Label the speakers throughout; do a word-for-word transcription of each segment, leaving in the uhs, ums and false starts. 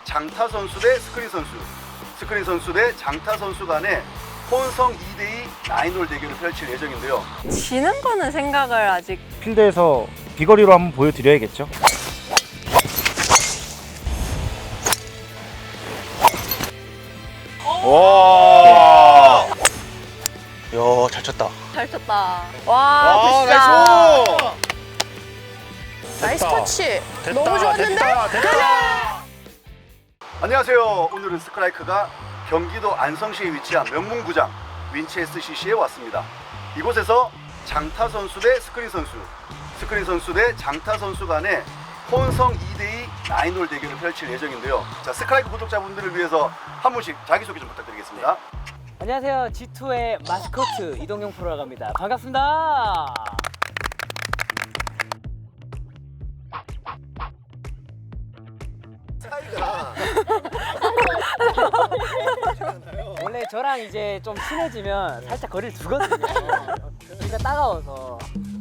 Speaker 1: 장타 선수 대 스크린 선수, 스크린 선수 대 장타 선수 간의 혼성 이 대 이 나인홀 대결을 펼칠 예정인데요.
Speaker 2: 지는 거는 생각을 아직.
Speaker 3: 필드에서 비거리로 한번 보여드려야겠죠.
Speaker 4: 와. 야, 잘 쳤다.
Speaker 2: 잘 쳤다.
Speaker 4: 아,
Speaker 2: 와, 굿샷.
Speaker 4: 나이스.
Speaker 5: 나이스 터치.
Speaker 4: 됐다,
Speaker 5: 너무 좋았는데?
Speaker 4: 됐다, 됐다.
Speaker 1: 안녕하세요. 오늘은 스크라이크가 경기도 안성시에 위치한 명문구장 윈체스씨씨에 왔습니다. 이곳에서 장타 선수 대 스크린 선수, 스크린 선수 대 장타 선수 간의 혼성 이 대 이 나인홀 대결을 펼칠 예정인데요. 자, 스크라이크 구독자분들을 위해서 한 분씩 자기소개 좀 부탁드리겠습니다.
Speaker 6: 안녕하세요. 지투의 마스코트 이동용 프로라고 합니다. 반갑습니다. 원래 저랑 이제 좀 친해지면 살짝 거리를 두거든요. 그러니까 따가워서.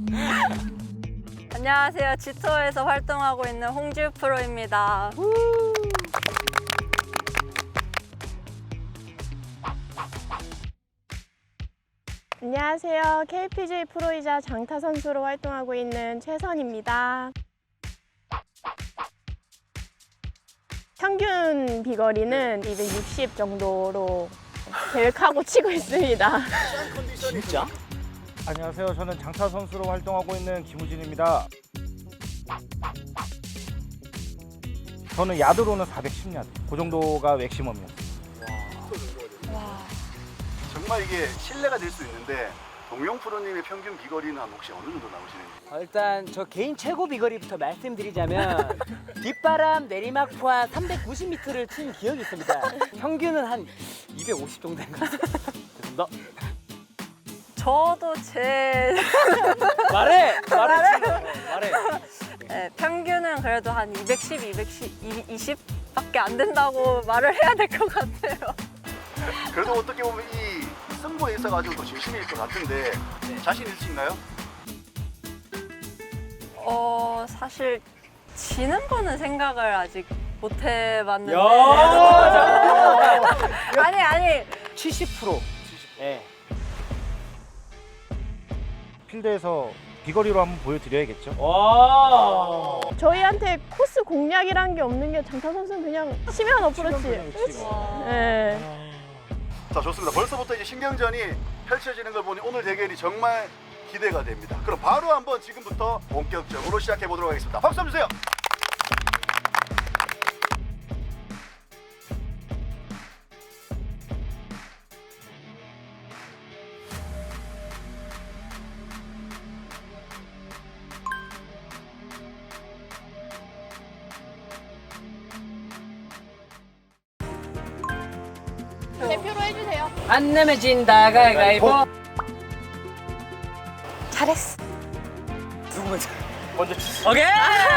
Speaker 2: 안녕하세요. 지투어에서 활동하고 있는 홍지우 프로입니다.
Speaker 5: 안녕하세요. 케이피지에이 프로이자 장타 선수로 활동하고 있는 최선입니다. 평균 비거리는 이백육십 정도로 계획하고 치고 있습니다.
Speaker 6: 진짜?
Speaker 3: 안녕하세요. 저는 장타 선수로 활동하고 있는 김우진입니다. 저는 야드로는 사백십 야드. 그 정도가 맥시멈이었어요.
Speaker 1: 정말 이게 신뢰가 될 수 있는데 동용 프로님의 평균 비거리는 혹시 어느 정도 나오시는지?
Speaker 6: 어, 일단 저 개인 최고 비거리부터 말씀드리자면 뒷바람 내리막 포함 삼백구십 미터를 친 기억이 있습니다. 평균은 한 이백오십 정도 된 것 같습니다. 죄송합니다.
Speaker 2: 저도 제
Speaker 6: 말해! 말해! 말해!
Speaker 2: 네, 평균은 그래도 한 이백십, 이백이십 밖에 안 된다고 말을 해야 될 것 같아요.
Speaker 1: 그래도 어떻게 보면 이 승부에 있어가지고 더 진심일 것 같은데 자신 있으신가요?
Speaker 2: 어, 사실 지는 거는 생각을 아직 못 해봤는데.
Speaker 6: 야!
Speaker 2: 아니, 아니.
Speaker 6: 칠십 퍼센트. 예.
Speaker 3: 필드에서 비거리로 한번 보여드려야겠죠.
Speaker 6: 와!
Speaker 5: 저희한테 코스 공략이란 게 없는 게 장타 선수는 그냥 치면 어프로치. 네.
Speaker 1: 자, 좋습니다. 벌써부터 이제 신경전이 펼쳐지는 걸 보니 오늘 대결이 정말 기대가 됩니다. 그럼 바로 한번 지금부터 본격적으로 시작해 보도록 하겠습니다. 박수 한번 주세요.
Speaker 5: 대표로 해주세요.
Speaker 6: 안 내면 진다 가위바위보.
Speaker 5: 잘했어.
Speaker 6: 누구 먼저?
Speaker 4: 먼저 치.
Speaker 6: 오케이!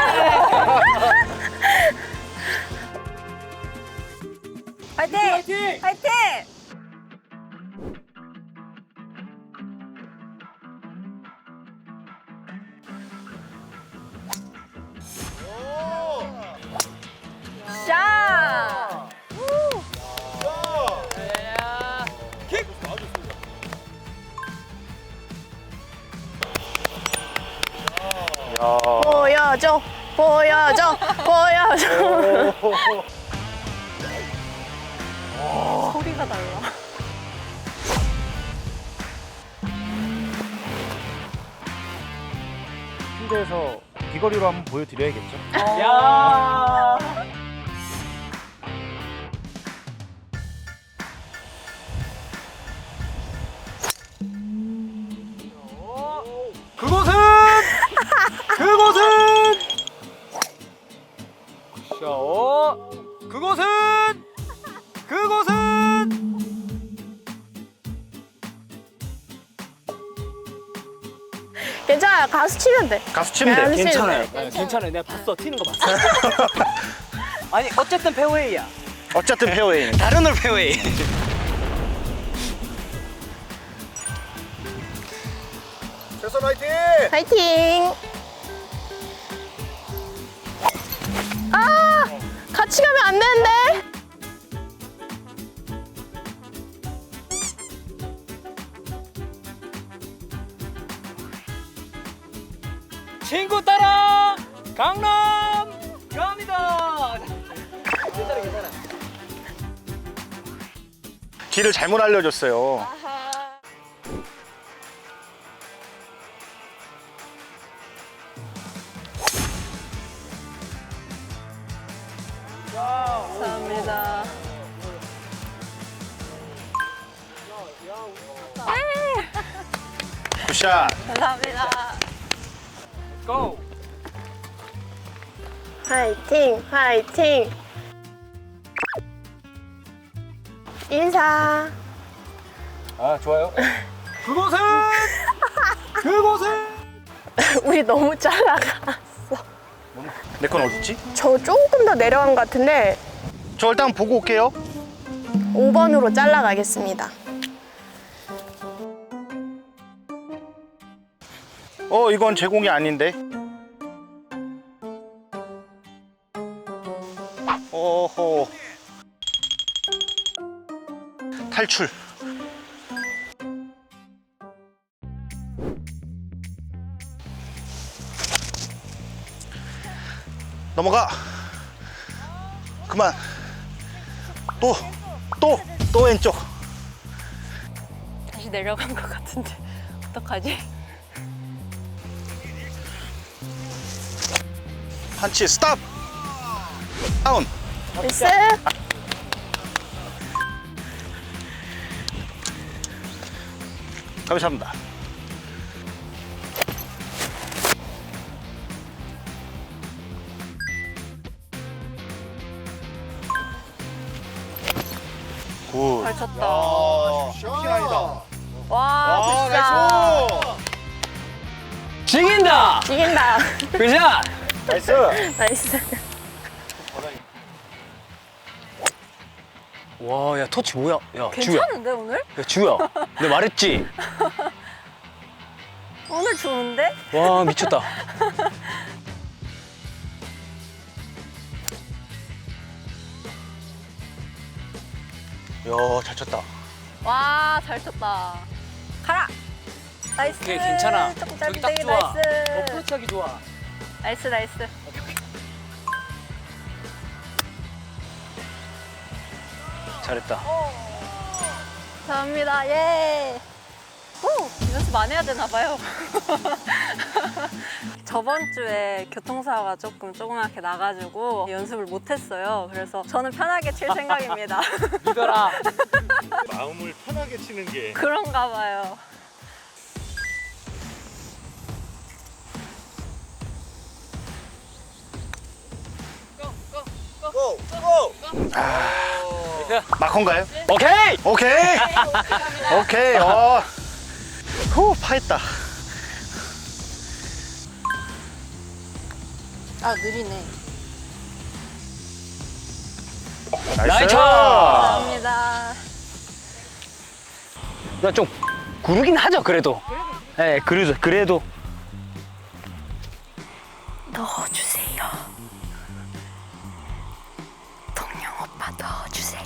Speaker 2: 화이팅!
Speaker 6: 화이팅!
Speaker 2: 화이팅! 샷!
Speaker 6: 킥!
Speaker 5: 보여줘, 보여줘, 보여줘.
Speaker 2: 소리가 달라.
Speaker 3: 필드에서 비거리로 한번 보여드려야겠죠.
Speaker 6: 야!
Speaker 4: 그곳은 그곳은
Speaker 6: 자,
Speaker 4: 그곳은 그곳은
Speaker 5: 괜찮아요. 가수 치면 돼.
Speaker 4: 가수 치면 돼.
Speaker 5: 가수 치면
Speaker 4: 괜찮아요.
Speaker 5: 돼.
Speaker 6: 아, 괜찮아요. 내가 봤어. 튀는 거 봤어. 아니, 어쨌든 페어웨이야.
Speaker 4: 어쨌든 페어웨이. 다른 홀 페어웨이.
Speaker 1: 최선 화이팅!
Speaker 5: 파이팅! 아! 같이 가면 안 되는데?
Speaker 4: 길을 잘못 알려줬어요.
Speaker 2: 감사합니다.
Speaker 4: 굿샷.
Speaker 2: 감사합니다.
Speaker 6: 고!
Speaker 5: 화이팅, 화이팅. 인사.
Speaker 3: 아 좋아요.
Speaker 6: 그곳은 그곳은
Speaker 5: 우리 너무 잘 나갔어.
Speaker 4: 내 건 어딨지?
Speaker 5: 저 조금 더 내려간 것 같은데
Speaker 4: 저 일단 보고 올게요.
Speaker 5: 오 번으로 잘라가겠습니다.
Speaker 4: 어, 이건 제공이 아닌데. 오호. 탈출. 넘어가. 그만. 또, 또, 또 왼쪽.
Speaker 2: 다시 내려간 것 같은데 어떡하지?
Speaker 4: 판치 스탑. 다운.
Speaker 5: 나이스.
Speaker 4: 감사합니다. 굿.
Speaker 2: 잘 쳤다.
Speaker 1: 샷이다.
Speaker 2: 와, 진짜.
Speaker 6: 죽인다.
Speaker 5: 이긴다.
Speaker 6: 그죠?
Speaker 4: 나이스.
Speaker 5: 나이스.
Speaker 7: 와, 야, 터치 뭐야? 야, 주야.
Speaker 2: 괜찮은데 오늘?
Speaker 7: 야, 주야. 내가 말했지?
Speaker 2: 오늘 좋은데?
Speaker 7: 와, 미쳤다.
Speaker 4: 야, 잘 쳤다.
Speaker 2: 와, 잘 쳤다. 가라. 나이스.
Speaker 6: 오케이, 괜찮아.
Speaker 2: 조금
Speaker 6: 저기
Speaker 2: 짧은데
Speaker 6: 딱 좋아.
Speaker 2: 나이스.
Speaker 6: 어프로치 하기 좋아.
Speaker 2: 나이스, 나이스.
Speaker 7: 잘했다.
Speaker 2: 감사합니다. 예. 오, 연습 안 해야 되나 봐요. 저번 주에 교통사고가 조금 조그맣게 나가지고 연습을 못 했어요. 그래서 저는 편하게 칠 생각입니다.
Speaker 6: 믿어라.
Speaker 4: 마음을 편하게 치는 게.
Speaker 2: 그런가 봐요.
Speaker 4: 마컨가요?
Speaker 7: 오케이!
Speaker 4: 오케이. 오케이. 어. 후, 파했다.
Speaker 2: 아, 느리네.
Speaker 7: 나이스!
Speaker 2: 감사합니다.
Speaker 7: 나 좀 구르긴 하죠, 그래도. 예, 네, 그래도, 그래도.
Speaker 2: 넣어주세요. 동영 오빠 넣어주세요.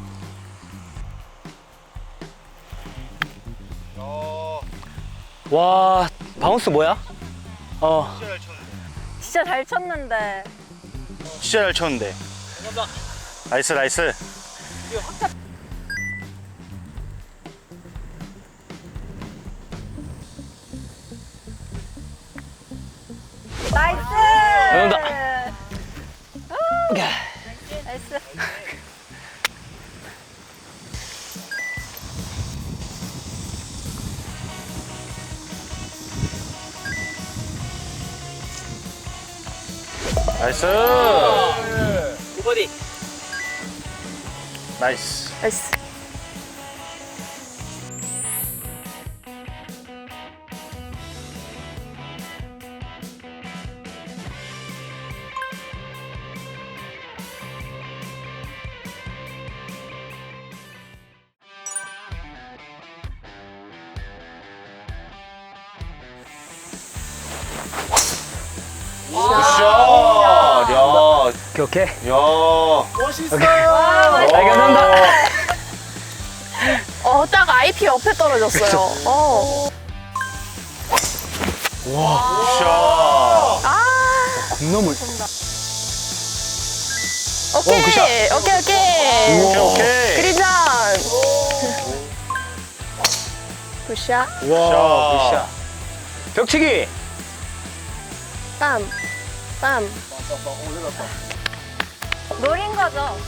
Speaker 7: 와, 바운스 뭐야? 어,
Speaker 2: 진짜 잘 쳤는데.
Speaker 4: 진짜 잘 쳤는데. 나이스, 나이스.
Speaker 2: 나이스!
Speaker 7: 감사합니다.
Speaker 2: 우! 나이스.
Speaker 4: 나이스.
Speaker 6: 굿버디.
Speaker 4: 나이스.
Speaker 5: 나이스.
Speaker 1: 굿샷. 야,
Speaker 7: 오케이, 오케이.
Speaker 1: 야. 멋있어.
Speaker 7: 감사합니다.
Speaker 5: 어, 딱 아이피 옆에 떨어졌어요. 어.
Speaker 4: 굿샷.
Speaker 5: 아.
Speaker 7: 공놈을.
Speaker 5: 어, 오케이,
Speaker 7: 굿샷.
Speaker 5: 오케이, 오케이.
Speaker 4: 오케이, 오케이.
Speaker 5: 그리전. 굿샷.
Speaker 7: 와, 굿샷. 벽치기.
Speaker 5: 빰, 빰.
Speaker 2: 노린 거죠.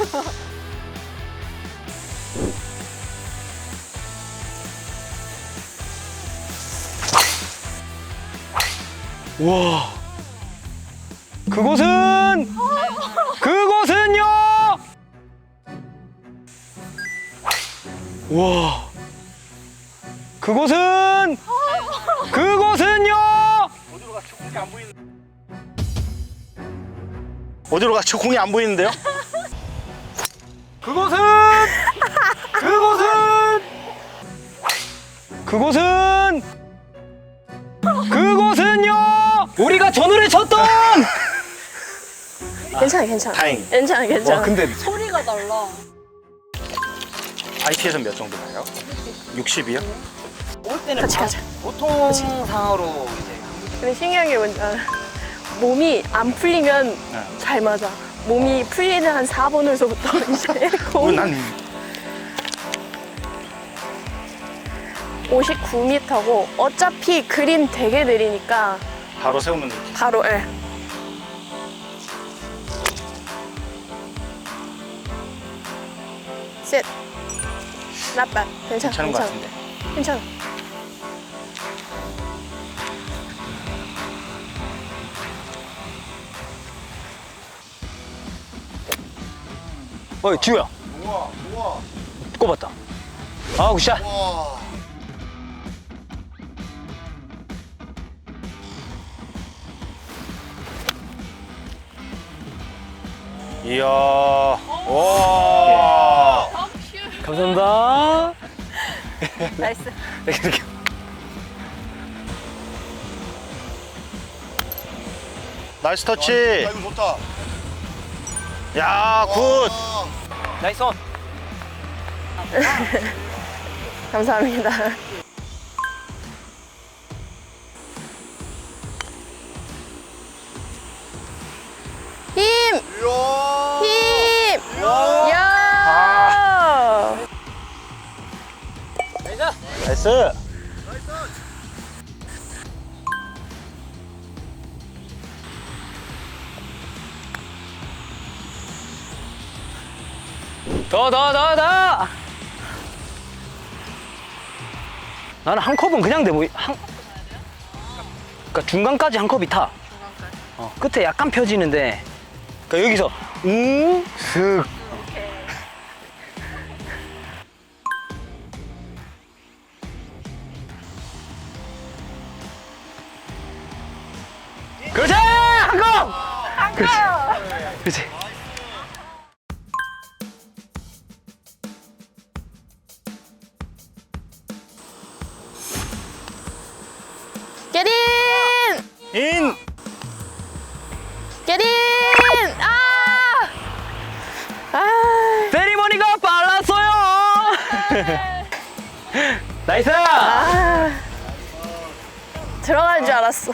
Speaker 7: 와. 그곳은 그곳은요. 와. 그곳은 그곳은요.
Speaker 4: 어디로 갔죠? 공이 안 보이는데요?
Speaker 7: 그곳은 그곳은 그곳은 그곳은요. 우리가 전우를 쳤던.
Speaker 5: 괜찮아, 괜찮아.
Speaker 4: 다행.
Speaker 5: 괜찮아, 괜찮아.
Speaker 7: 와, 근데
Speaker 2: 소리가 달라.
Speaker 4: 아이티에서는 몇 정도 나요? 육십이요?
Speaker 6: 올 때는
Speaker 5: 같이 가자.
Speaker 6: 보통 상으로 이제
Speaker 5: 근데 신기한 게 뭔지 알아? 몸이 안 풀리면
Speaker 4: 네.
Speaker 5: 잘 맞아. 몸이 풀리는 한 사 번에서부터 이제
Speaker 4: 어,
Speaker 5: 공
Speaker 4: 난
Speaker 5: 오십구 미터고 어차피 그린 되게 느리니까
Speaker 4: 바로 세우면 되지.
Speaker 5: 바로 예. 셋. 나빠. 괜찮아.
Speaker 4: 괜찮은 것
Speaker 5: 괜찮아.
Speaker 4: 같은데.
Speaker 5: 괜찮아.
Speaker 7: 어이 지우야.
Speaker 1: 우와, 우와,
Speaker 7: 꼽았다. 아 굿샷.
Speaker 1: 우와.
Speaker 4: 이야. 와.
Speaker 7: 감사합니다.
Speaker 2: 나이스.
Speaker 7: 이렇게.
Speaker 4: 나이스 터치.
Speaker 1: 야, 이거 좋다.
Speaker 4: 야, 굿.
Speaker 1: 와.
Speaker 6: 나이스 온.
Speaker 5: 감사합니다. 힘!
Speaker 1: 이야.
Speaker 5: 힘!
Speaker 1: 이야.
Speaker 5: 야!
Speaker 4: 나이스.
Speaker 7: 더 더 더 더. 나는 한 컵은 그냥 돼 보이. 한. 그러니까 중간까지 한 컵이 타. 어, 끝에 약간 펴지는데. 그러니까 여기서 우슥. 그렇지 한 컵. 그렇지. 그렇지.
Speaker 5: get in!
Speaker 4: 인.
Speaker 5: get in! 아! 아!
Speaker 7: 세리머니가 빨랐어요. 나이스.
Speaker 5: 아! 들어갈 줄 알았어.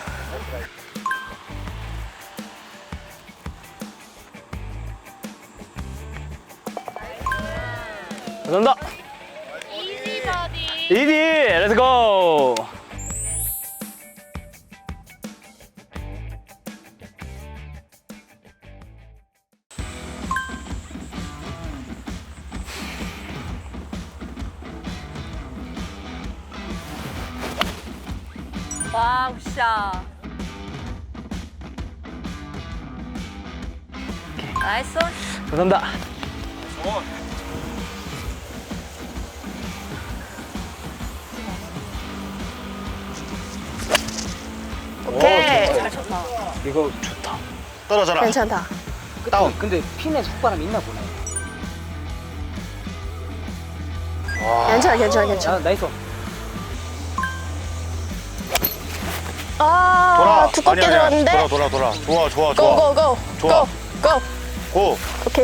Speaker 7: 감사합니다.
Speaker 5: 이지 버디.
Speaker 7: 이디 렛츠고.
Speaker 2: 와, 굿샷. 나이스.
Speaker 7: 감사합니다.
Speaker 5: 오케이.
Speaker 2: 잘 쳤다.
Speaker 7: 이거 좋다.
Speaker 4: 떨어져라.
Speaker 5: 괜찮다.
Speaker 4: 다운.
Speaker 6: 근데 핀에 속바람 있나 보네.
Speaker 5: 괜찮아, 괜찮아, 괜찮아.
Speaker 6: 아, 나이스 온.
Speaker 5: 아,
Speaker 4: 돌아.
Speaker 5: 두껍게
Speaker 4: 아니야, 아니야.
Speaker 5: 들어갔는데.
Speaker 4: 돌아, 돌아, 돌아. 좋아, 좋아, 좋아.
Speaker 5: 고, 고, 고.
Speaker 4: 좋아.
Speaker 5: 고, 고.
Speaker 4: 고.
Speaker 5: 오케이.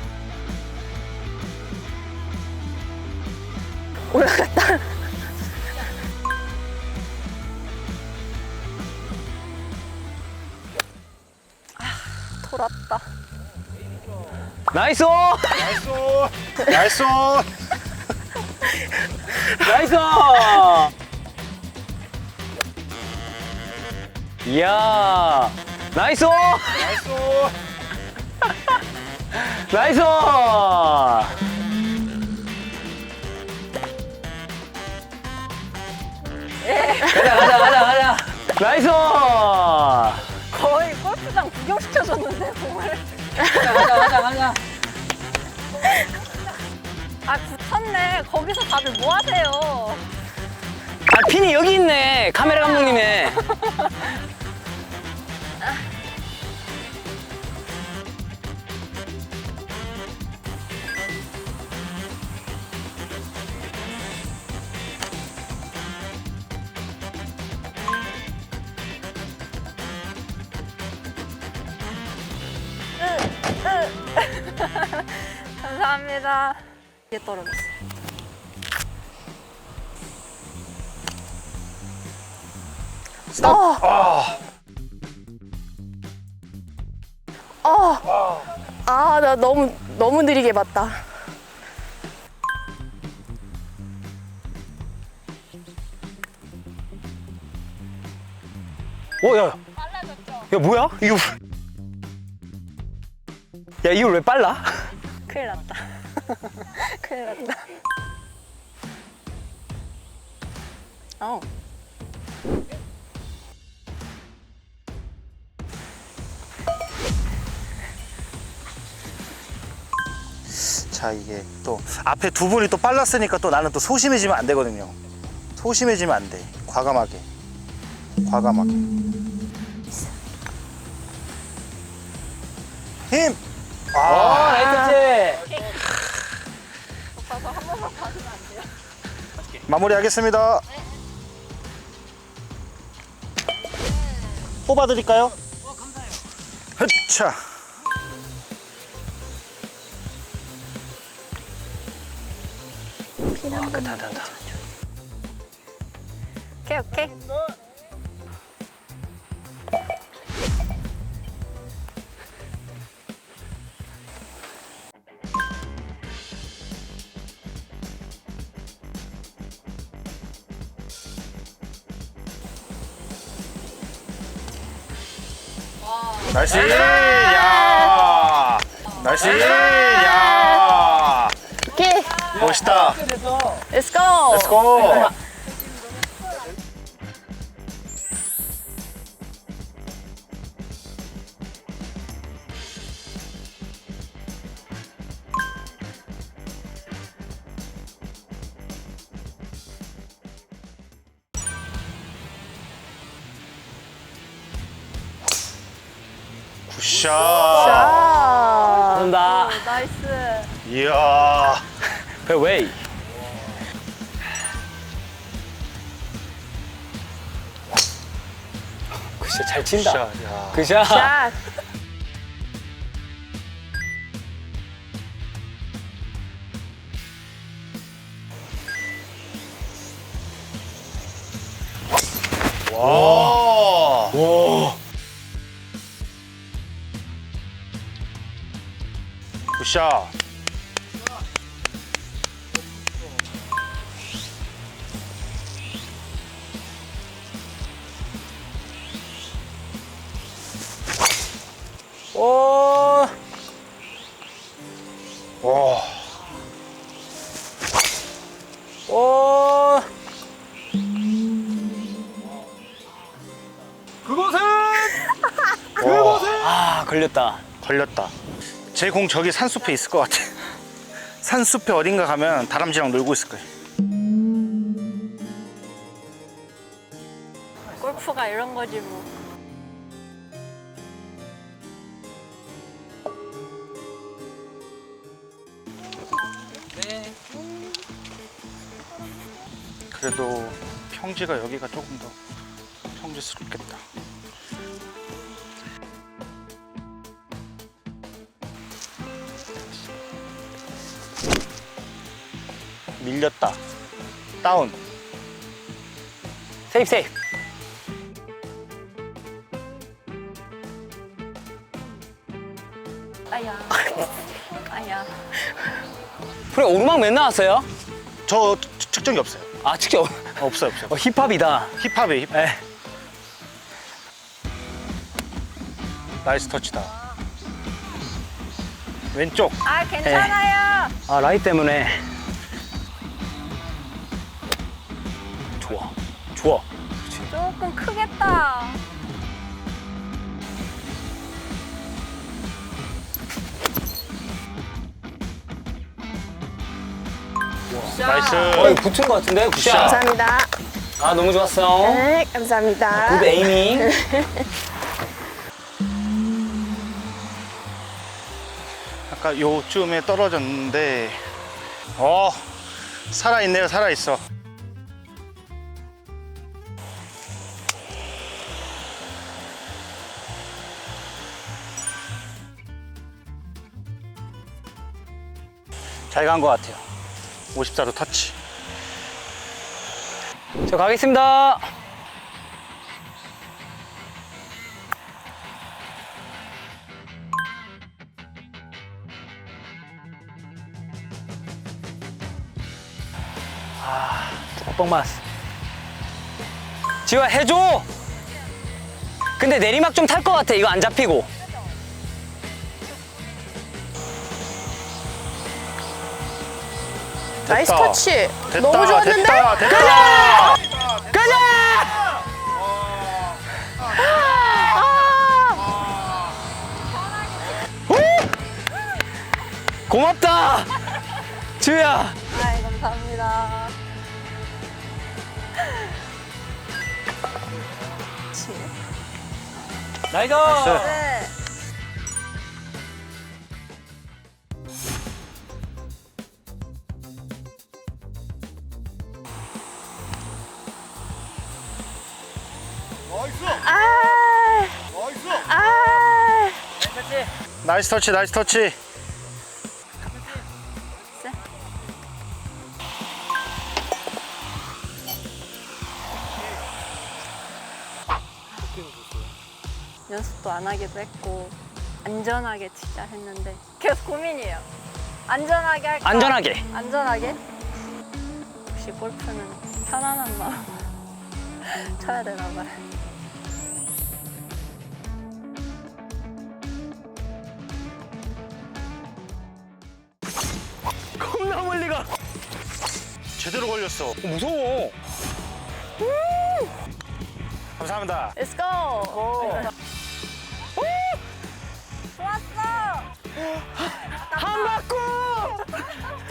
Speaker 5: 올라갔다. 아, 돌았다.
Speaker 7: 나이스!
Speaker 4: 나이스.
Speaker 7: 나이스! 이야, 나이스! 나이스! 가자, 가자, 가자, 가자! 나이스!
Speaker 2: 거의 골프장 구경시켜줬는데 공을.
Speaker 7: 가자, 가자, 가자, 가자!
Speaker 2: 아 붙었네. 거기서 다들 뭐 하세요?
Speaker 7: 아, 핀이 여기 있네. 카메라 감독님의.
Speaker 2: 감사합니다. 이게 떨어졌어.
Speaker 5: 아, 나 너무 너무 느리게 봤다.
Speaker 7: 어, 야. 야, 뭐야? 이거. 야, 이걸 왜 빨라?
Speaker 2: 큰일 났다. 큰일 났다. 어.
Speaker 4: 자, 이게 또 앞에 두 분이 또 빨랐으니까 또 나는 또 소심해지면 안 되거든요. 소심해지면 안 돼. 과감하게. 과감하게. 힘!
Speaker 7: 어,
Speaker 4: 아,
Speaker 7: 나이스 캐치.
Speaker 2: 오빠 저한 번만 봐주면 안 돼요?
Speaker 4: 마무리하겠습니다. 뽑아드릴까요? 어, 감사해요. 자.
Speaker 7: 와, 끝다, 다, 다.
Speaker 2: 오케이 오케이.
Speaker 4: 날씨! 야! 날씨! 야!
Speaker 5: 오케이,
Speaker 4: 멋있다.
Speaker 5: let's go.
Speaker 4: Let's go. 굿샷.
Speaker 5: 자,
Speaker 7: 감사합니다.
Speaker 2: 나이스.
Speaker 4: 이야.
Speaker 7: 페어웨이. 굿샷 잘 친다.
Speaker 4: 굿샷. 야.
Speaker 7: 굿샷.
Speaker 5: 샷.
Speaker 4: 와.
Speaker 7: 와.
Speaker 4: 굿샷.
Speaker 7: 오.
Speaker 4: 와.
Speaker 7: 오. 아, 걸렸다.
Speaker 4: 걸렸다. 제 공 저기 산숲에 있을 것 같아. 산숲에 어딘가 가면 다람쥐랑 놀고 있을 거예요.
Speaker 2: 골프가 이런 거지 뭐.
Speaker 4: 그래도 평지가 여기가 조금 더 평지스럽겠다. 밀렸다. 다운.
Speaker 7: 세이프 세이프.
Speaker 2: 아야. 아니야.
Speaker 7: 프로 오르막 몇 나왔어요?
Speaker 4: 저 측정이 없어요.
Speaker 7: 아 직접
Speaker 4: 없어요, 없어요.
Speaker 7: 어, 힙합이다.
Speaker 4: 힙합이에요, 힙합.
Speaker 7: 네.
Speaker 4: 나이스 터치다. 왼쪽.
Speaker 2: 아 괜찮아요.
Speaker 7: 아 라이 때문에. 좋아, 좋아.
Speaker 2: 조금 크겠다.
Speaker 4: 나이스.
Speaker 7: 어, 이거 붙은 것 같은데? 굿샷.
Speaker 5: 감사합니다.
Speaker 7: 아 너무 좋았어.
Speaker 5: 네, 감사합니다.
Speaker 7: 굿 에이밍.
Speaker 4: 아까 요쯤에 떨어졌는데, 어, 살아있네요, 살아있어. 잘 간 것 같아요. 오십사 도 터치.
Speaker 7: 저 가겠습니다. 아, 뻥 맞았어. 지호야 해줘. 근데 내리막 좀 탈 것 같아. 이거 안 잡히고.
Speaker 5: 나이스
Speaker 4: 됐다.
Speaker 5: 터치.
Speaker 4: 됐다,
Speaker 5: 너무 좋았는데?
Speaker 4: 됐다, 됐다.
Speaker 7: 가자! 오! 고맙다. 지호야.
Speaker 2: 아이 감사합니다.
Speaker 7: 나이스.
Speaker 2: 네.
Speaker 1: 나이스.
Speaker 5: 아,
Speaker 1: 나이스.
Speaker 5: 아.
Speaker 4: 나이스 터치, 나이스 터치.
Speaker 2: 연습도 안 하기도 했고 안전하게 치자 했는데 계속 고민이에요. 안전하게 할까?
Speaker 7: 안전하게.
Speaker 2: 안전하게? 역시 골프는 편안한 마음 쳐야 되나 봐요.
Speaker 7: 겁나 멀리 가.
Speaker 4: 제대로 걸렸어.
Speaker 7: 어, 무서워.
Speaker 4: 감사합니다.
Speaker 5: Let's go.
Speaker 2: 좋았어.
Speaker 7: 한 바퀴.